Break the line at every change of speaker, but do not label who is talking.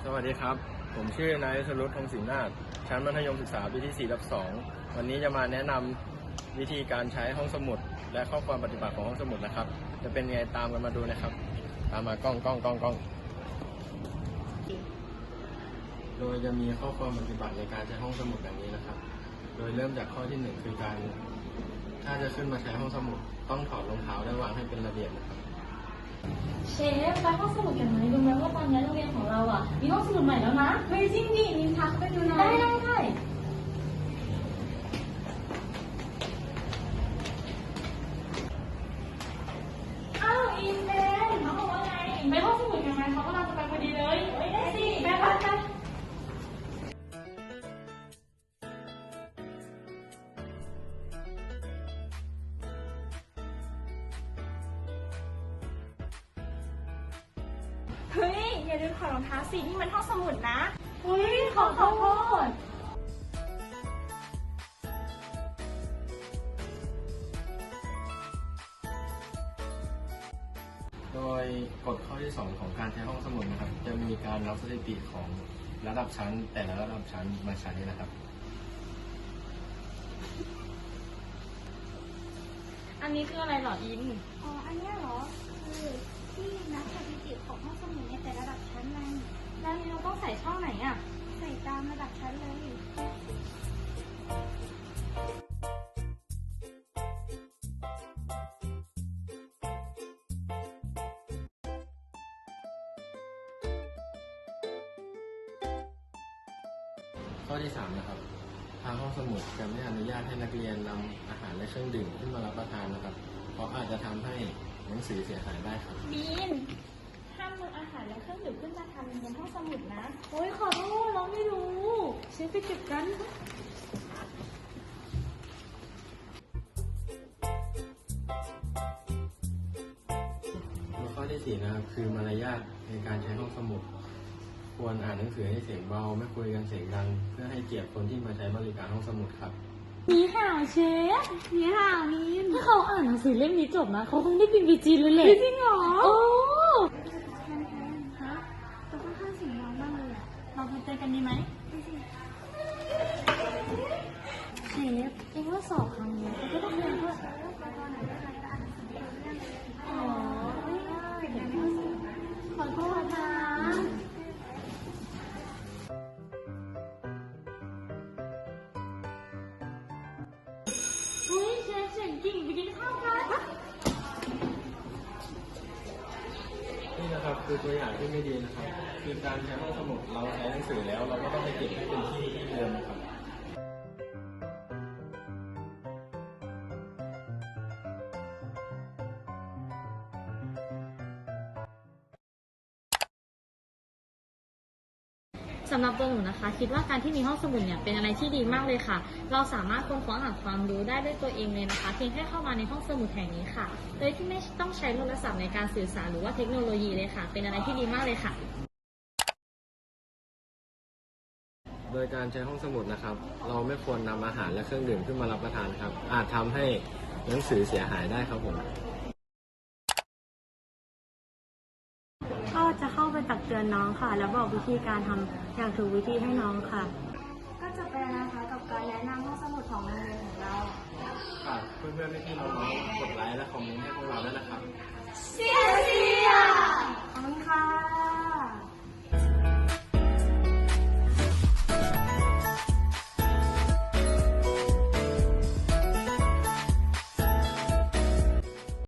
สวัสดีครับผมชื่อนายสรุต ธงศรีนาถชั้นมัธยมศึกษาปีที่4/2วันนี้จะมาแนะนำวิธีการใช้ห้องสมุดและข้อความปฏิบัติของห้องสมุดนะครับจะเป็นไงตามกันมาดูนะครับตามมากล้องโดยจะมีข้อความปฏิบัติในการใช้ห้องสมุดแบบนี้นะครับโดยเริ่มจากข้อที่1คือการถ้าจะขึ้นมาใช้ห้องสมุดต้องถอดรองเท้าและวางให้เป็นระเบียบนะครับ
เชฟไปห้องสมุดกันไหมรู้ไหมว่าตอนนี้โรงเรียนของเรามีห้องสมุดใหม่แล้วนะเฮ้ยจริงดินินทักไปดูหน่อยได้อ้าวอินเดนเขาบอกว่าไงไปห้องสมุดกันไหมเขากำลังจะไปพอดีเลยได้สิไปบ้านกันเฮ้ยอย่าลืมถอดรองเท้าสินี่มันห้องสมุดนะเฮ้ยขอโทษ
โดยกฎข้อที่2ของการใช้ห้องสมุดนะครับจะมีการรับสถิติของระดับชั้นแต่ละระดับชั้นมาใช้นะครับ
อันนี้คืออะไรหรออิน
อันนี้เหรอคือที่นับสถิติของห้องสมุดในแต่ระดับชั้นไง
แล้วนี่เราต้องใส่ช่องไหน
ใส่ตามระดับชั้นเลย
ข้อที่3นะครับทางห้องสมุดจะไม่อนุญาตให้นักเรียนนำอาหารและเครื่องดื่มขึ้นมารับประทานนะครับเพราะอาจจะทำให้หนังสือเสียหายได้ครับ
บีนห้ามนำอาหารและเครื่องดื่มขึ้นมาทำในห้องสมุดนะโอ้ยขอโทษเราไม่รู้เชฟไปเก็บกัน
ข้อที่4นะครับคือมารยาทในการใช้ห้องสมุดควรอ่านหนังสือให้เสียงเบาไม่คุยกันเสียงดังเพื่อให้เกียรติคนที่มาใช้บริการห้องสมุดครับ
นี่ห่าวเชฟนี่ห่าวมินถ้าเขาอ่านหนังสือเล่มนี้จบนะเขาคงได้บินไปจีนเลยแหละจริงเหรอโอ้
ฮะตัวค่อนข้างเสียงดังมากเลย
เราไปเจอกันดีไหมเชฟเองว่าสอบครั้งนี้เขาก็ต้องเรียนเพื่ออ๋อขอโทษนะเฮ้ยเชฟเสียงกิ่งไปกินข้าวกัน
นี่นะครับคือตัวอย่างที่ไม่ดีนะครับคือการใช้ห้องสมุดเราใช้หนังสือแล้วเราก็ต้องไปเก็บให้เป็นที่เดิมนะครับ
สำหรับตัวหนูนะคะคิดว่าการที่มีห้องสมุดเนี่ยเป็นอะไรที่ดีมากเลยค่ะเราสามารถค้นคว้าหาความรู้ได้ด้วยตัวเองเลยนะคะเพียงแค่เข้ามาในห้องสมุดแห่งนี้ค่ะโดยที่ไม่ต้องใช้โทรศัพท์ในการสื่อสารหรือว่าเทคโนโลยีเลยค่ะเป็นอะไรที่ดีมากเลยค่ะ
โดยการใช้ห้องสมุดนะครับเราไม่ควรนำอาหารและเครื่องดื่มขึ้นมารับประทานครับอาจทำให้หนังสือเสียหายได้ครับผม
ก็จะเข้าไปตักเตือนน้องค่ะแล้วบอกวิธีการทำอย่างถูกวิธีให้น้องค่ะ
ก็จะเป็นนะคะกับการแนะนำห้องสมุดของโรงเรียนของเรา
ฝากเพื่อนๆพี่ๆน้องๆกดไลค์และคอมเมนต์ให้พวกเราด้วยนะครับ